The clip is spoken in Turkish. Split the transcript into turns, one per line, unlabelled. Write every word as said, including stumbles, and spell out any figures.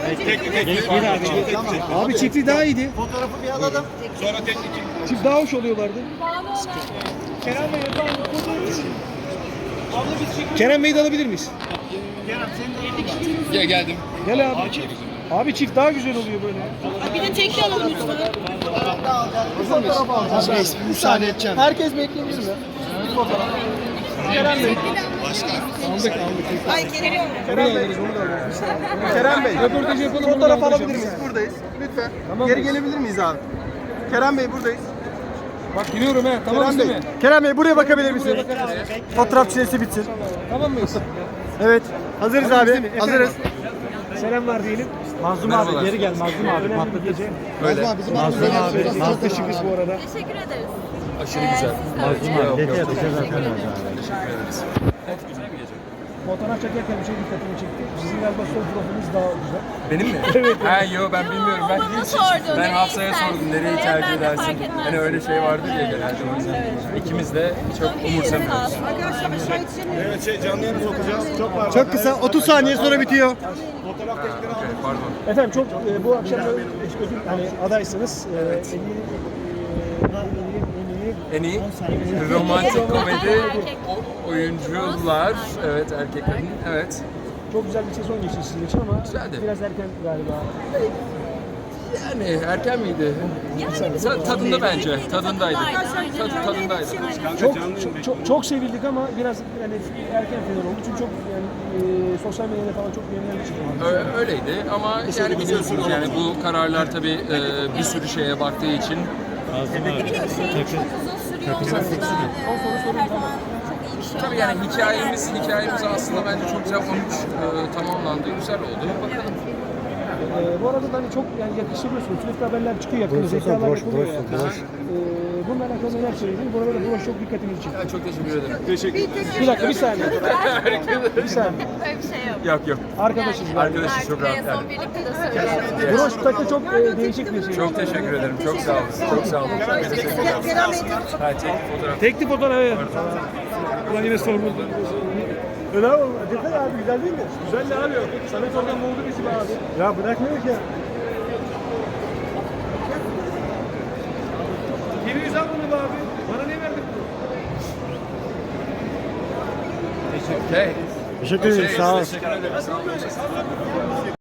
Abi çiftli daha iyiydi.
Fotoğrafı bir alalım.
Sonra teknik.
Çift daha hoş oluyorlardı.
Kerem Bey efendim fotoğrafı. Abla biz çekiyoruz.
Kerem Bey'i de alabilir miyiz?
Kerem senin de
Gel geldim.
Gel abi. Abi çift daha güzel oluyor böyle.
Bir de tekli alalım lütfen.
fotoğraf alacağız. Abi, müsaade edeceğim. Herkes bekleyebilir mi? Bir fotoğraf. Kerem Bey.
Aldık aldık.
Ay Kerem.
Kerem Bey. Kerem Bey.
Röportajı yapalım.
Fotoğraf
buradan
alabilir miyiz? Buradayız. Lütfen. Geri gelebilir miyiz abi? Kerem Bey buradayız.
Bak giriyorum he. Tamam
Kerem
değil
Bey.
mi?
Kerem Bey buraya bakabilir misiniz? Fotoğraf çilesi bitsin.
Tamam mıyız?
Evet. Hazırız
Tamam,
abi.
değil mi? Efendim?
Hazırız.
Selamlar diyelim.
Mazlum abi geri gel Mazlum abi.
Önemli bir gece.
Öyle.
Mazlum abi.
Çok teşekkürüz bu arada.
Teşekkür ederiz.
Aşırı güzel.
Mazlum abi. Detay atacağız zaten.
Evet, güzel bir gece.
Fotoğraf çekerken bir şey dikkatimi çekti. Sizin galiba sol profiliniz daha güzel.
Benim mi?
Evet.
Ha yo ben bilmiyorum. Ben
bana sordu,
ben
nereyi
Hafsa'ya
istersin?
sordum nereyi
Evet,
tercih
ben de fark
edersin.
etmez.
Hani öyle şey vardır ya genelde o yüzden. İkimiz de çok umursamıyoruz.
Arkadaşlar aşağı
Evet şey canlı yayına sokacağız. Çok var.
Çok kısa. otuz saniye sonra bitiyor.
Fotoğraf teknikleri aldık.
Pardon.
Efendim çok e, bu akşam da ödül hani adaysınız. E, en iyi en iyi
En iyi romantik komedi o- oyuncular, evet erkek kadın, evet.
çok güzel bir sezon geçti sizin için ama
Güzeldi.
biraz erken galiba.
Yani erken miydi? Ta- Tadında bence, tadındaydı. Tad, tadındaydı.
Çok çok, çok çok sevildik ama biraz yani erken final oldu çünkü çok yani e, sosyal medyada falan çok beğenilen bir şey.
Ö- Öyleydi ama yani biliyorsunuz yani bu kararlar tabii e, bir sürü şeye baktığı için
Bir de bir şeyin çok uzun sürüyor olması da e, her zaman çok iyi bir şey.
tabii yani hikayemiz hikayemiz aslında bence çok güzel olmuş, e, tamamlandı, güzel oldu. Bakalım.
E, bu arada da hani çok yani yakıştırıyorsunuz. Sürekli haberler çıkıyor yakında. Zekalar yapılıyor yani. E, bununla alakalı neler söylediniz? Bu arada da broş çok dikkatimizi çekti.
Ya çok teşekkür ederim.
Teşekkür ederim.
Bir dakika bir saniye. Bir saniye.
Böyle bir şey yok.
Yok yok.
Arkadaşız. yani.
Arkadaşız çok rahat
En
yani.
son birlikte de söyleyelim.
Broş takı çok e, değişik bir şey.
Çok teşekkür ederim. Çok sağ olun. Çok sağ olun. Çok teşekkür ederim. Ha, çek fotoğraf.
Tekli fotoğraf evet. Ulan yine sorumlu. Öyle abi. Detay abi güzel değil mi? Güzel de abi. Samet oradan buldu bizi be abi. Ya bırakmıyor ki. Gibi yüz al bunu be abi. Bana ne verdin?
Okay.
Teşekkür ederim. Sağ ol.
Teşekkür ederim. Sağ olun.